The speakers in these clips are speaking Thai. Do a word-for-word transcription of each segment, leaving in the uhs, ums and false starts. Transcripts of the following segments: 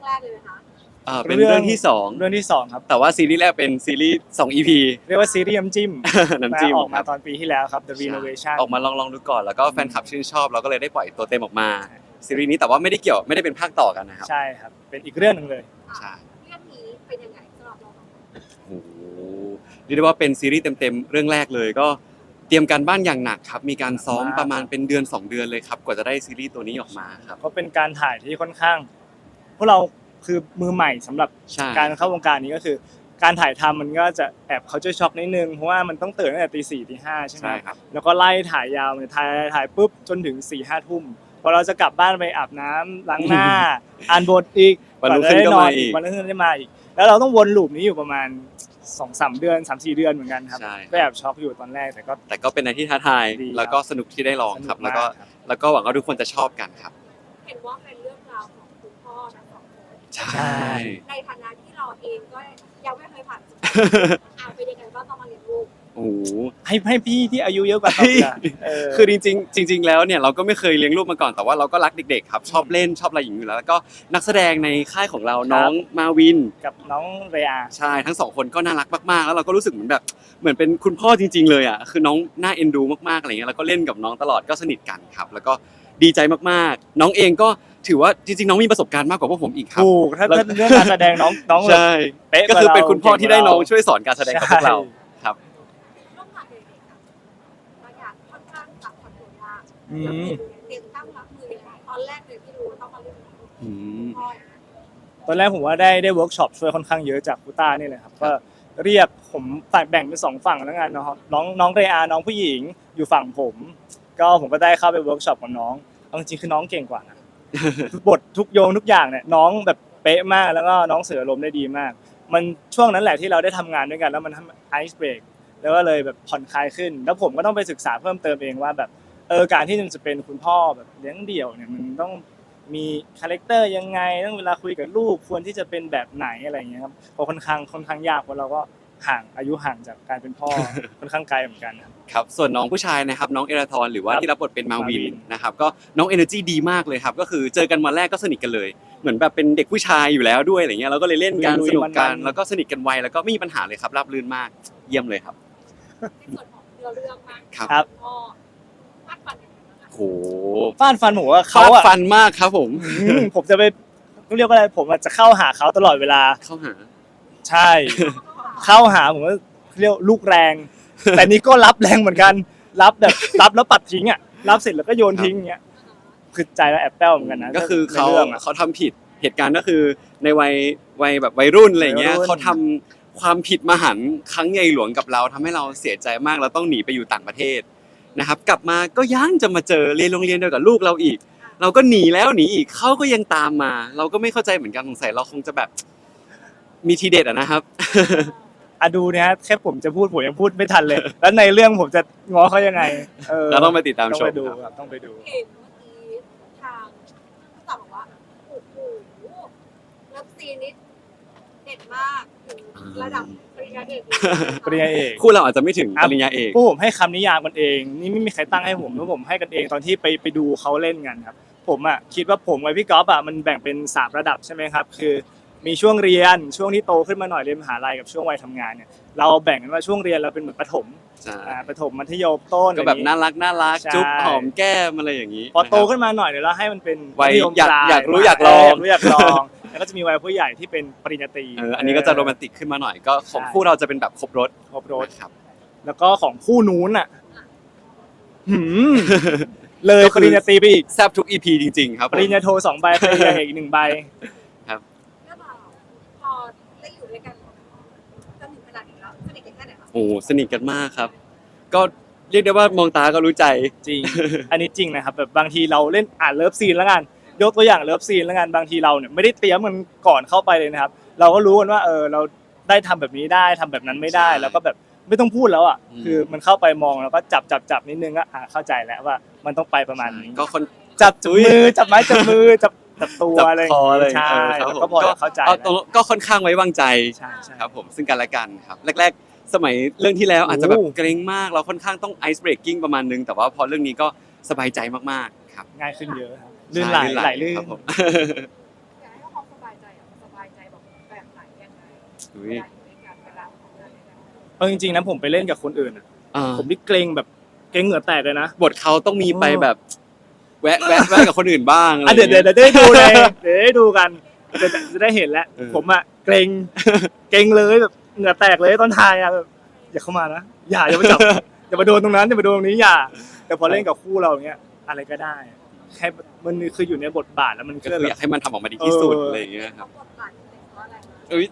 รกเลยไหมคะอ่าเป็นเรื่องที่สองเรื่องที่สองครับแต่ว่าซีรีส์แรกเป็นซีรีส์สอง อี พีเรียกว่าซีรีส์น้ำจิ้มน้ำจิ้มออกมาครับตอนปีที่แล้วครับ The Renovation ออกมาลองลองดูก่อนแล้วก็แฟนคลับชื่นชอบเราก็เลยได้ปล่อยตัวเต็มออกมาซีรีส์นี้แต่ว่าไม่ได้เกี่ยวไม่ได้เป็นภาคต่อกันนะครับใช่ครับเป็นอีกเรื่องหนึ่งเลยใช่เรื่องนี้เป็นยังไงสำหรับเราโอ้โหเรียกได้ว่าเป็นซีรีส์เต็มๆเรื่องแรกเลยก็เตรียมการบ้านอย่างหนักครับมีการซ้อมประมาณเป็นเดือนสองเดือนเลยครับกว่าจะได้ซีรีส์ตัวนี้ออกมาครับก็เป็นการถ่ายที่ค่อนข้างพวกเราคือมือใหม่สำหรับใช่การเข้าวงการนี้ก็คือ การถ่ายทำมันก็จะแอบเขาจะช็อกนิดนึงเพราะว่ามันต้องตื่นตั้งแต่ตีสี่ตีห้าใช่ไหมใช่ครับแล้วก็ไล่ถ่ายยาวเลยถ่ายถ่ายปุ๊บจนถึงสี่ห้าทุ่มพอเราจะกลับบ้านไปอาบน้ำล้างหน้า อ่านบทอีกวันรุ่งขึ้นก็มาอีกวันรุ่งขึ้นได้มาอีก แล้วเราต้องวนลูปนี้อยู่ประมาณสองสามเดือนสามสี่เดือนเหมือนกันครับใช่ก็แอบช็อกอยู่ตอนแรกแต่ก็แต่ก็เป็นอะไรที่ท้าทายดีครับแล้วก็สนุกที่ได้ลองครับสนุแล้วมาก็ครับแล้วก็หวังว่าทุกคนจะชอบกันครับเห็นว่าเป็นเรื่องราวของคุณพ่อทั้งสองคนใช่ในฐานะที่เราเองก็ยังไม่เคยผ่านอ่าเป็นยังไงบ้างตอนมาเรียนรู้โอ้โหให้ให้พี่ที่อายุเยอะกว่าตอบดีกว่าเคือจริงๆจริง ๆ แล้วเนี่ยเราก็ไม่เคยเลี้ยงลูกมาก่อนแต่ว่าเราก็รักเด็กๆครับชอบเล่นชอบอะไรอย่างนี้อยู่แล้วแล้วก็นักแสดงในค่ายของเราครับน้องมาวินกับน้องเรอาใช่ทั้งสองคนก็น่ารักมากๆแล้วเราก็รู้สึกเหมือนแบบเหมือนเป็นคุณพ่อจริง ๆ เลยอ่ะคือน้องน่าเอ็นดูมากๆอะไรเงี้ยแล้วก็เล่นกับน้องตลอดก็สนิทกันครับแล้วก็ดีใจมากๆ น้องเองก็ถือว่าจริงๆน้องมีประสบการณ์มากกว่าพวกผมอีกครับถูกถ้าแล้วถ้าเรื่องการแสดงน้องน้องแบบใช่เป๊ะก็คือเป็นกว่าเราคุณพ่อที่ได้น้องเก่งกว่าเราช่วยสอนการแสดงกับพวกเราครับร่วมงานเด็กๆอะบางอย่างค่อนข้างปรับตัวยากอืแล้วมเตรียมตั้งรับมือยังไงตอนแรกเลยที่รู้ว่าต้องมาเล่นกับอืมพ่อตอนแรกผมว่าได้ได้เวิร์กช็อปช่วยค่อนข้างเยอะจากคูต้านี่เลยครับก็เรียกผมแบ่งเป็นสองฝั่งแล้วกันเนาะน้องน้องเรอาน้องผู้หญิงอยู่ฝั่งผม ก็ผมก็ได้เข้าไปเวิร์กช็อปกับน้องเอาจริงๆคือน้องเก่งกว่านะ บททุกโยงทุกอย่างเนี่ยน้องแบบเป๊ะมากแล้วก็น้องเสือลมได้ดีมาก มันช่วงนั้นแหละที่เราได้ทำงานด้วยกันแล้วมันทำไอซ์เบรกแล้วก็เลยแบบผ่อนคลายขึ้น แล้วผมก็ต้องไปศึกษาเพิ่มเติมเองว่าแบบเออการที่มันจะเป็นคุณพ่อแบบเลี้ยงเดี่ยวเนี่ยมันต้องมีคาแรคเตอร์ยังไงต้องเวลาคุยกับลูกควรที่จะเป็นแบบไหนอะไรอย่างเงี้ยครับเพราะค่อนข้างค่อนข้างยากเพราะเราก็ห่างอายุห่างจากการเป็นพ่อ ค่อนข้างไกลเหมือนกันครับครับส่วนน้องผู้ชายนะครับน้องเอราทอนหรือว่าครับที่รับบทเป็นมาวินมาวินนะครับก็น้องเอเนอร์จีดีมากเลยครับก็คือเจอกันวันแรกก็สนิทกันเลย เหมือนแบบเป็นเด็กผู้ชายอยู่แล้วด้วยอะไรเงี้ยเราก็เลยเล่นกันลุยๆสนุกกันมันๆแล้วก็สนิทกันไวแล้วก็ไม่มีปัญหาเลยครับราบรื่นมากเยี่ยมเลยครับในส่วนของเนื้อเรื่องมากครับครับพ่อวาดฟันยังไงบ้างอะโหฟาดฟันผมว่าเขาเขาอะฟันมากครับผมอืมผมจะไปเขาเรียกว่าอะไรผมอะจะเข้าหาเขาตลอดเวลาเข้าหาใช่ เข้าหาผมว่าเรียกลูกแรง แต่นี่ก็รับแรงเหมือนกัน รับแบบรับแล้วปัดทิ้งอ่ะรับเสร็จแล้วก็โยนทิ้งเงี้ยคือใจเราแอบแป้วเหมือนกันนะก็คือเขาในรื่องอะเขาทำผิดเหตุการณ์ก็คือในวัยวัยแบบวัยรุ่นอะไรเงี้ยวัยรุ่นเขาทำความผิดมหันต์ครั้งใหญ่หลวงกับเราทำให้เราเสียใจมากเราต้องหนีไปอยู่ต่างประเทศนะครับกลับมาก็ยังจะมาเจอเรียนโรงเรียนเดียวกับลูกเราอีก เราก็หนีแล้วหนีอีกเขาก็ยังตามมา เราก็ไม่เข้าใจเหมือนกันสงสัยเราคงจะแบบมีทีเด็ดอะนะครับอะดูเนี่ยฮะแค่ผมจะพูดผมยังพูดไม่ทันเลย แล้วในเรื่องผมจะง้อเขายังไงเออเราต้องไปติดตามต้องชไปมดูครับครับต้องไปดูเห็นเมื่อกี้ทางผู้จัดบอกว่าโอ้โหเลิฟซีนนี้เด็ดมากถึงระดับปริญญาเอกเลยนะคะปริญญาเอกคู่เราอาจจะไม่ถึงปริญญาเอกพวกผมให้คำนิยามกันเองนี่ไม่มีใครตั้งให้ผมเพราะผมให้กันเองตอนที่ไปไปดูเขาเล่นกันครับผมอ่ะคิดว่าผมกับพี่ก๊อฟอ่ะมันแบ่งเป็นสามระดับใช่ไหมครับคือมีช่วงเรียนช่วงที่โตขึ้นมาหน่อยเรียนมหาลัยกับช่วงวัยทำงานเนี่ยเราแบ่งกันว่าช่วงเรียนเราเป็นเหมือนประถมใช่อ่าประถมมัธยมต้นก็แบบอะไรอย่งงี้น่ารักน่ารักใช่จุ๊บหอมแก้มอะไรอย่างนี้พอโตนะครับขึ้นมาหน่อยเดี๋ยวเราให้มันเป็นวัยมัธมอยากปลอยากรู้อยากลองเรู้อยากลองแล้วก็จะมีวัยผู้ใหญ่ที่เป็นปริญญาตรีเอออันนี้ก็จะโรแมนติกขึ้นมาหน่อยก็ของใช่คู่เราจะเป็นแบบครบรถครบรถนะครับแล้วก็ของคู่นู้นอ่ะหืมเลยก็ปคือริญญาตรีไปอีกแซบทุก อี พี จริง ๆ ครับผมปริญญาโทสองใบปริญญาเอกอีกหนึ่งใบเรื่องราวพอได้อยู่ด้วยกันจนถึงขนาดนี้แล้วสนิทกันแค่ไหนคะโอ้สนิทกันมากครับ ก็เรียกได้ว่ามองตาก็รู้ใจจริง อันนี้จริงนะครับแบบบางทีเราเล่นอ่านเลิฟซีนแล้วกันยกตัวอย่างเลิฟซีนแล้วกันบางทีเราเนี่ยไม่ได้เตรียมมันก่อนเข้าไปเลยนะครับ เราก็รู้กันว่าเออเราได้ทำแบบนี้ได้ทำแบบนั้นไม่ได้ใช่แล้วก็แบบไม่ต้องพูดแล้วอ่ะอืมคือมันเข้าไปมองแล้วก็จับจับจับนิดนึงก็อ่าเข้าใจแล้วว่ามันต้องไปประมาณนี้ก็คนจับจับมือจับไม้จับมือจับจับตัวจับอะไรคออะไรใช่เออครับแล้วผมก็พอจะเข้าใจเอาแล้วตรงก็ค่อนข้างไว้วางใจใช่ใช่ครับผมซึ่งกันและกันครับแรกๆ สมัยเรื่องที่แล้วอาจจะแบบโอ้เกรงมากเราค่อนข้างต้องไอซ์เบรกกิ้งประมาณนึงแต่ว่าพอเรื่องนี้ก็สบายใจมากๆครับง่ายขึ้นเยอะครับลื่นไหลใช่ไหลลื่นครับผมอยากให้เขาความสบายใจอะอุ๊ยเอาจริงๆนะผมไปเล่นกับคนอื่นอะอ่าผมนี่เกรงแบบเกรงเหงื่อแตกเลยนะบทเขาต้องมีไปแบบ แวะแวะแวะกับคนอื่นบ้างอะไรอ่ะเดี๋ยวเดี๋ยวเงี้ยเดี๋ยวได้ดูเลยเดี๋ยวได้ดูกันจะจะได้เห็นแล้วเออผมอะเกรงเกรงเลยแบบเหงื่อแตกเลยตอนถ่ายอะแบบอย่าเข้ามานะอย่าอย่ามาจับ อย่ามาโดนตรงนั้นอย่ามาโดนตรงนี้อย่า แต่พอเล่นกับคู่เราอย่างเงี้ยอะไรก็ได้แค่มันคืออยู่ในบทบาทแล้วมันก็ก็คือแบอยาบกให้มันทำออกมาดีที่สุดเออออะไรอย่างเงี้ยครับบทบาทเป็นเพราะอะไรคะเอ้ย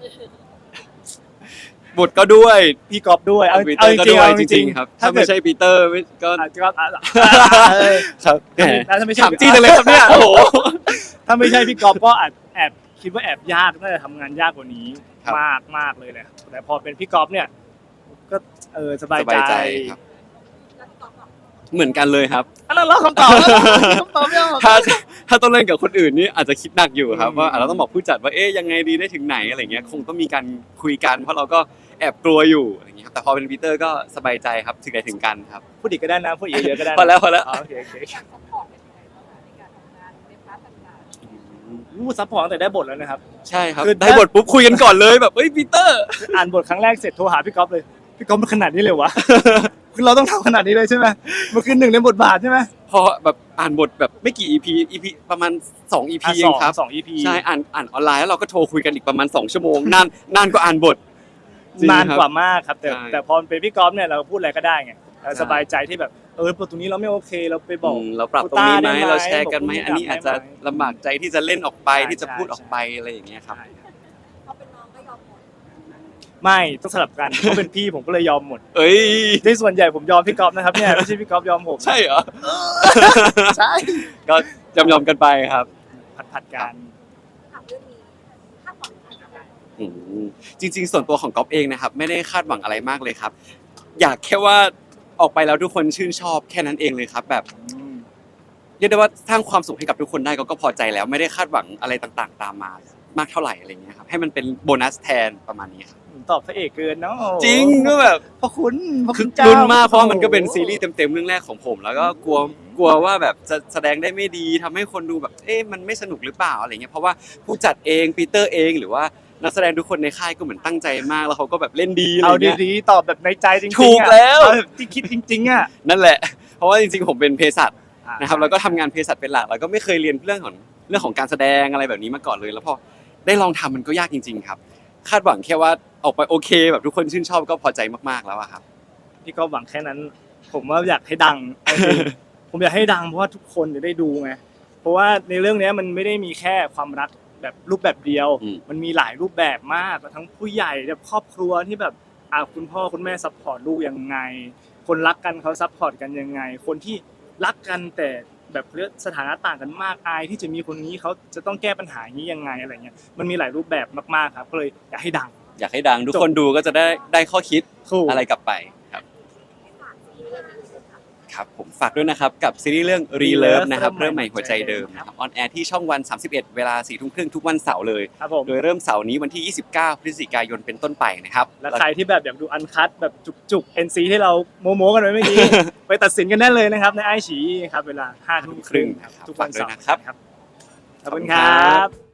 บทก็ด้วยพี่กอฟด้วยเอาปีเตเอาอร์จก็ริงด้ๆวยเอาจจริริงงๆครับๆถ้าไม่ใช่ปีเตอร์ไม่ก็อาจจะก็อ่ะครับแหมแล้วถ้าไม่ใช่ถามจี้เลยครับเนี่ยโอ้โหถ้าไม่ใช่พี่กอฟก็อาจแอบคิดว่าแอบยากน่าจะทำงานยากกว่านี้ครับมากมากเลยแหละแต่พอเป็นพี่กอฟเนี่ย ก็เออสบายสบายใจใจครับแล้วพี่กอล์ฟบอกเหมือนกันเลยครับอันนั้นเราคำตอบแล้วคำตอบไม่ออกถ้าถ้าต้องเล่นกับคนอื่นนี่อาจจะคิดหนักอยู่ครับอืมว่าอ่ะเราต้องบอกผู้จัดว่าเอ๊ยยังไงดีได้ถึงไหนอะไรเงี้ยคงต้องมีการคุยกัน เพราะเราก็แอบกลัวอยู่อะไรเงี้ยครับแต่พอเป็นปีเตอร์ก็สบายใจครับถึงไหนถึงกันครับพูดอีกก็ได้นะพูดอีกเยอะก็ได้นะพอแล้วพอแล้วอ๋อโอเคโอเคอยากซัพพอร์ตเป็นยังไงบ้างคะในการทำงานในพาร์ทต่างอู้ซัพพอร์ตตั้งแต่ได้บทแล้วนะครับใช่ครับคือได้บทปุ๊บคุยกันก่อนเลยแบบเอ้ยปีเตอร์อ่านบทครั้งแรกเสร็จโทรหาพี่กอฟเลยพี่กอฟมันขนาดนี้เลยวะ คือเราต้องทำขนาดนี้เลยใช่ไหมมันคือหนึ่งในบทบาทใช่ไหมพอแบบอ่านบทแบบไม่กี่ อี พี อี พี ประมาณสอง อี พีอ่ะเอสอง งครับสอง อี พีใช่อ่านอ่านออนไลน์แล้วเราก็โทรคุยกันอีกประมาณสองชั่วโมงนานนานกว่าอ่านบทจริงนานครับกว่ามากครับแต่ใช่แต่พอเป็นพี่กอล์ฟเนี่ยเราพูดอะไรก็ได้ไงเราใช่สบายใจที่แบบเออตรงนี้เราไม่โอเคเราไปบอกอืมเราปรับตรงนี้ไหมโควต้าได้ไหมเราแชร์กันไหมบอกอันนี้อาจจะได้ไหมลำบากใจที่จะเล่นออกไปใช่ที่จะพูดใช่ออกไปอะไรอย่างเงี้ยครับใช่ครับๆเขาเป็นน้องก็ยอมหมดไม่ต้องสลับกันเขาเป็นพี่ผมก็เลยยอมหมดเอ้ยในส่วนใหญ่ผมยอมพี่กอล์ฟนะครับเนี่ยไม่ใช่พี่กอล์ฟยอมผมใช่เหรอใช่ก็ยอมยอมๆกันไปครับผัดผัดๆกันถามเรื่องนี้คาดหวังอะไรอืมจริง ๆ ส่วนตัวของก๊อฟเองนะครับ ไม่ได้คาดหวังอะไรมากเลยครับ อยากแค่ว่าออกไปแล้วทุกคนชื่นชอบแค่นั้นเองเลยครับ แบบเรียกได้ว่าสร้างความสุขให้กับทุกคนได้ก็ก็พอใจแล้วไม่ได้คาดหวังอะไรต่างๆ ตามมามากเท่าไหร่อะไรเงี้ยครับให้มันเป็นโบนัสแทนประมาณนี้ครับตอบพระเอกเกินเนาะจริงก็แบบพระคุณพระคืคุอณเจ้าลุ้นมากเพราะว่ามันก็เป็นซีรีส์เต็มๆเรื่องแรกของผม แล้วก็กลัวกลัวว่าแบบจะแสดงได้ไม่ดีทำให้คนดูแบบเอ๊ะมันไม่สนุกหรือเปล่าอะไรเงี้ยเพราะว่าผู้จัดเองปีเตอร์เองหรือว่านักแสดงทุกคนในค่ายก็เหมือนตั้งใจมากแล้วเขาก็แบบเล่นดีอะไรเอาเงี้ยดีๆตอบแบบในใจจริงๆถูกอะแล้วเอาแบบที่คิดจริงๆอ่ะนั่นแหละ เพราะว่าจริงๆผมเป็นเภสัชนะครับแล้วก็ทำงานเภสัชเป็นหลักแล้วก็ไม่เคยเรียนเรื่องของเรื่องของการแสดงอะไรแบบนี้มาก่อนเลย แล้วพอได้ลองทำมันก็ยากจริง ๆ ครับ คาดหวังแค่ว่าออกไปโอเค แบบทุกคนชื่นชอบก็พอใจมากๆแล้วอะครับพี่ก็หวังแค่นั้น ผมว่าอยากให้ดัง เอาจริงผมอยากให้ดังเพราะว่าทุกคนจะได้ดูไงเพราะว่าในเรื่องเนี้ยมันไม่ได้มีแค่ความรักแบบรูปแบบเดียวอืมมันมีหลายรูปแบบมากทั้งผู้ใหญ่แบบครอบครัวที่แบบอ่าคุณพ่อคุณแม่ซัพพอร์ตลูกยังไง คนรักกันเขาซัพพอร์ตกันยังไง คนที่รักกันแต่แบบเรื่องสถานะต่างกันมากอายที่จะมีคนนี้เขาจะต้องแก้ปัญหานี้ยังไงอะไรเงี้ยมันมีหลายรูปแบบมากๆครับก็เลยอยากให้ดังอยากให้ดังทุกคนดูก็จะได้ได้ข้อคิดถูกอะไรกลับไปครับให้ฝากซีรีส์เรื่องนี้เลยค่ะครับผมฝากด้วยนะครับกับซีรีส์เรื่อง Relove นะครับเริ่มใหม่หัวใจเดิมนะครับออนแอร์ที่ช่องวัน สามสิบเอ็ด เวลา สี่ทุ่มครึ่งทุกวันเสาร์เลยครับผมโดยเริ่มเสาร์นี้วันที่ ยี่สิบเก้า พฤศจิกายนเป็นต้นไปนะครับและใครที่แบบอยากดูอันคัตแบบจุกๆ เอ็น ซี ที่เราโมโมกันไว้เมื่อกี้ ไปตัดสินกันได้เลยนะครับในไอฉีครับเวลาห้าทุ่มครึ่งครับทุกวันเสาร์ฝากด้วยนะครับขอบคุณครับ